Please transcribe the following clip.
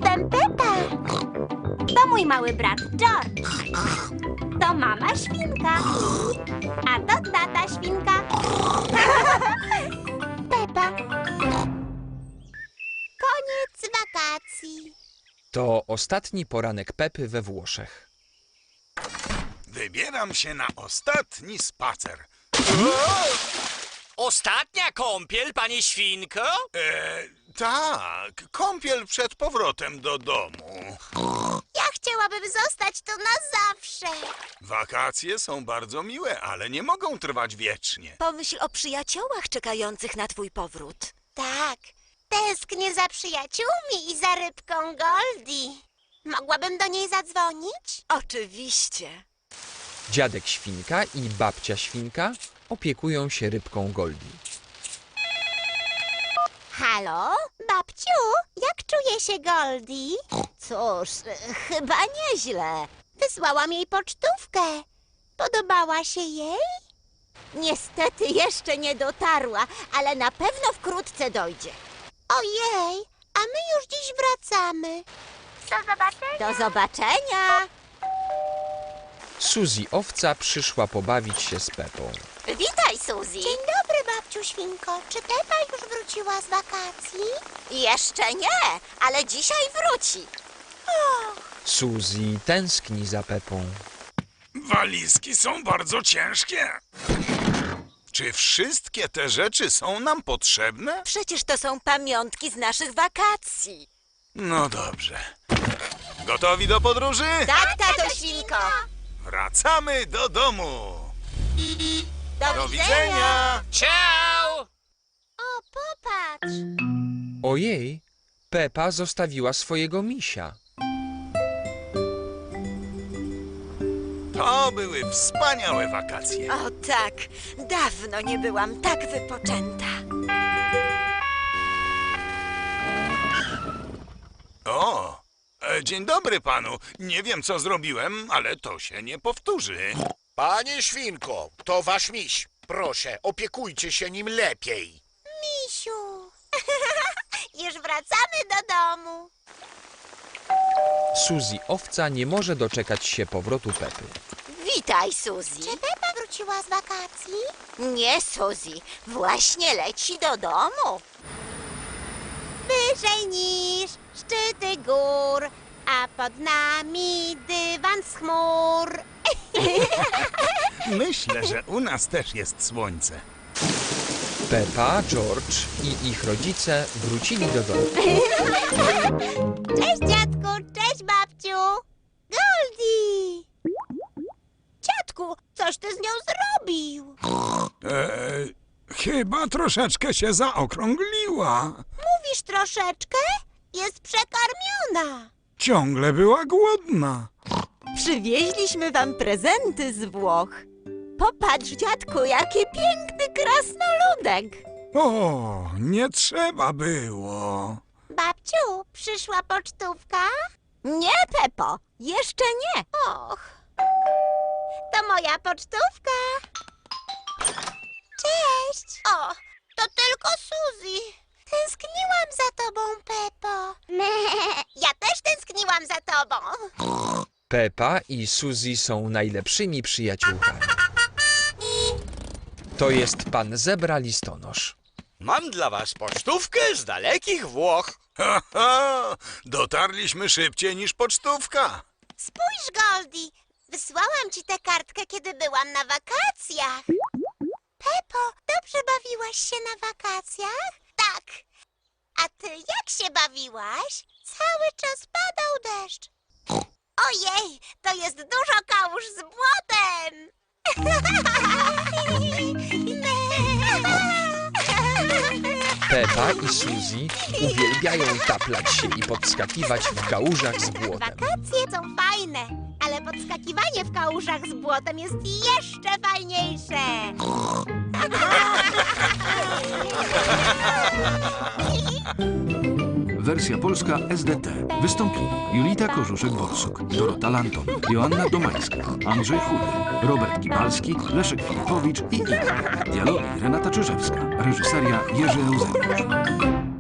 Jestem Pepa. To mój mały brat George. To mama świnka. A to tata świnka. Pepa. Koniec wakacji. To ostatni poranek Pepy we Włoszech. Wybieram się na ostatni spacer. Ostatnia kąpiel, panie świnko? Tak, kąpiel przed powrotem do domu. Ja chciałabym zostać tu na zawsze. Wakacje są bardzo miłe, ale nie mogą trwać wiecznie. Pomyśl o przyjaciołach czekających na twój powrót. Tak, tęsknię za przyjaciółmi i za rybką Goldie. Mogłabym do niej zadzwonić? Oczywiście. Dziadek Świnka i babcia Świnka opiekują się rybką Goldie. Halo? Babciu, jak czuje się Goldie? Cóż, chyba nieźle. Wysłałam jej pocztówkę. Podobała się jej? Niestety jeszcze nie dotarła, ale na pewno wkrótce dojdzie. Ojej, a my już dziś wracamy. Do zobaczenia. Do zobaczenia. Suzy Owca przyszła pobawić się z Pepą. Witaj, Suzy. Dzień dobry, babciu Świnko. Czy Pepa już wróciła z wakacji? Jeszcze nie, ale dzisiaj wróci. Suzy tęskni za Pepą. Walizki są bardzo ciężkie. Czy wszystkie te rzeczy są nam potrzebne? Przecież to są pamiątki z naszych wakacji. No dobrze. Gotowi do podróży? Tak, tato Świnko. Wracamy do domu. Do widzenia. Ciao! O, popatrz. Ojej, Pepa zostawiła swojego misia. To były wspaniałe wakacje. O tak, dawno nie byłam tak wypoczęta. O, dzień dobry panu. Nie wiem, co zrobiłem, ale to się nie powtórzy. Panie Świnko, to wasz miś. Proszę, opiekujcie się nim lepiej. Misiu. Już wracamy do domu. Suzy Owca nie może doczekać się powrotu Pepy. Witaj, Suzy. Czy Pepa wróciła z wakacji? Nie, Suzy, właśnie leci do domu. Wyżej niż szczyty gór, a pod nami dywan z chmur. Myślę, że u nas też jest słońce. Pepa, George i ich rodzice wrócili do domu. Cześć, dziadku, cześć, babciu. Goldie! Dziadku, coś ty z nią zrobił? Chyba troszeczkę się zaokrągliła. Mówisz troszeczkę? Jest przekarmiona. Ciągle była głodna. Przywieźliśmy wam prezenty z Włoch. Popatrz, dziadku, jaki piękny krasnoludek. O, nie trzeba było. Babciu, przyszła pocztówka? Nie, Pepo, jeszcze nie. Och, to moja pocztówka. Cześć. O, to tylko Suzy. Tęskniłam za tobą, Pepo. Ja też tęskniłam za tobą. Pepa i Suzy są najlepszymi przyjaciółkami. To jest pan Zebra Listonosz. Mam dla was pocztówkę z dalekich Włoch. Ha, ha, dotarliśmy szybciej niż pocztówka. Spójrz, Goldie. Wysłałam ci tę kartkę, kiedy byłam na wakacjach. Pepo, dobrze bawiłaś się na wakacjach? Tak. A ty jak się bawiłaś? Cały czas padał deszcz. Ojej, to jest dużo kałuż z błotem. Pepa i Suzy uwielbiają taplać się i podskakiwać w kałużach z błotem. Wakacje są fajne, ale podskakiwanie w kałużach z błotem jest jeszcze fajniejsze. Wersja polska SDT. Wystąpili Julita Korzuszek-Borsuk, Dorota Lanton, Joanna Domańska, Andrzej Chudy, Robert Kibalski, Leszek Filipowicz i inni. Dialogi Renata Czyżewska. Reżyseria Jerzy Euseniusz.